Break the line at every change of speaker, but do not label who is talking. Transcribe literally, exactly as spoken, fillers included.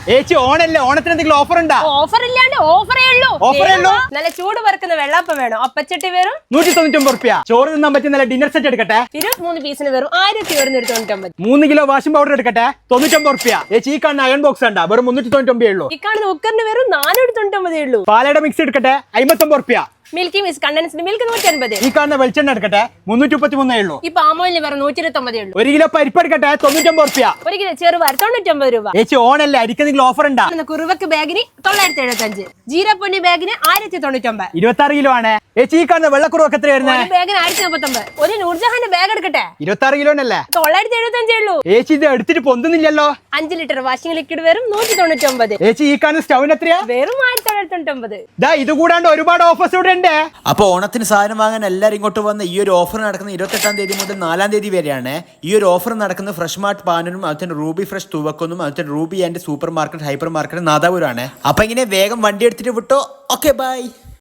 ഏച്ചി ഓണല്ലേ, ഓണത്തിന് എന്തെങ്കിലും ഓഫർ ഉണ്ടാ?
ഓഫർ ഇല്ലാണ്ട് ഓഫറേ ഉള്ളൂ.
ഓഫറേ ഉള്ളൂ.
നല്ല ചൂട് പറക്കുന്ന വെള്ളപ്പം വേണം, അപ്പച്ചട്ടി വെറും
നൂറ്റി തൊണ്ണൂറ്റി ഒമ്പത് റുപ്യ. ചോറ് തിന്നാൻ പറ്റിയ നല്ല ഡിന്നർ സെറ്റ് എടുക്കട്ടെ,
ഇരുപത്തിമൂന്ന് പീസിന് വെറും ആയിരത്തി ഒരുന്നൂറ്റി തൊണ്ണൂറ്റി ഒമ്പത്.
മൂന്ന് കിലോ വാഷിംഗ് പൗഡർ എടുക്കട്ടെ, തൊണ്ണൂറ്റി ഒമ്പത് റുപ്യ. ഏച്ചി ഈ കാണുന്ന അയൺ ബോക്സ് ഉണ്ടാ, വെറും മുന്നൂറ്റി തൊണ്ണൂറ്റി ഒമ്പതേ ഉള്ളൂ.
ഈ കാണുന്ന കുക്കറിന് വെറും നാനൂറ്റി തൊണ്ണൂറ്റി ഒമ്പതേ ഉള്ളൂ.
പാലയുടെ മിക്സ് എടുക്കട്ടെ, അമ്പത്തൊമ്പത് റുപ്യ.
മിൽക്കി മിസ് കണ്ടൻസ്ഡ് മിൽക്ക് നൂറ്റി അൻപത്.
ഈ കാണുന്ന വെളിച്ചെണ്ണ എടുക്കട്ടെ, മുന്നൂറ്റി മുപ്പത്തി മൂന്നേ ഉള്ളൂ.
ഈ പാമോയിലിന് വെറും നൂറ്റി ഇരുപത്തി ഒമ്പതേ ഉള്ളൂ.
ഒരു കിലോ പരിപ്പ് എടുക്കട്ടെ, തൊണ്ണൂറ്റി ഒമ്പത് റുപ്യ.
ഒരു കിലോ ചെറുപയർ തൊണ്ണൂറ്റി ഒമ്പത് രൂപ.
ഏച്ചി ഓണല്ലേ, അരിക്ക് എന്തെങ്കിലും ഓഫർ ഉണ്ടാ?
കുറുവക്ക് ബാഗിന് തൊള്ളായിരത്തി എഴുപത്തി അഞ്ച്, ജീരപ്പൊന്നി ബാഗിന് ആയിരത്തി തൊണ്ണൂറ്റി ഒമ്പത്.
ഇരുപത്തി ആറ് കിലോ ആണ്. ഏച്ചി ഈ കാണുന്ന വെള്ളക്കുറവൊക്കെ എത്ര വരുന്നത്?
ബാഗിന് ആയിരത്തി മുപ്പത്തി ഒമ്പത്. ഒരു നൂർജഹാന്റെ ബാഗ് എടുക്കട്ടെ,
ഇരുപത്തി ആറ് കിലോനല്ലേ,
തൊള്ളായിരത്തി എഴുപത്തി അഞ്ചേ ഉള്ളൂ.
ഏച്ചി ഇത് എടുത്തിട്ട് പൊന്തുന്നില്ലല്ലോ.
അഞ്ച് ലിറ്റർ വാഷിംഗ് ലിക്വിഡ് വെറും നൂറ്റി തൊണ്ണൂറ്റി ഒമ്പത്.
ഏച്ചി ഈ കാണുന്ന സ്റ്റൗവിന് എത്രയാ?
വെറും ആയിരത്തി തൊള്ളായിരത്തി തൊണ്ണൂറ്റി ഒമ്പത്.
ദാ ഇത് കൂടാണ്ട് ഒരുപാട് ഓഫേഴ്സ് ഇവിടെ ഉണ്ട്.
അപ്പൊ ഓണത്തിന് സാധനം വാങ്ങാൻ എല്ലാവരും ഇങ്ങോട്ട് വന്ന ഈ ഒരു ഓഫർ നടക്കുന്ന ഇരുപത്തെട്ടാം തീയതി മുതൽ നാലാം തീയതി വരെയാണ്. ഈ ഒരു ഓഫർ നടക്കുന്നത് ഫ്രഷ് മാർട്ട് പാനൂരും അതുപോലെ റൂബി ഫ്രഷ് തുവക്കൊന്നും അതുപോലെ Ruby and supermarket hypermarket നാദാപുരമാണ്. അപ്പൊ ഇങ്ങനെ വേഗം വണ്ടി എടുത്തിട്ട് വിട്ടോ. Okay by.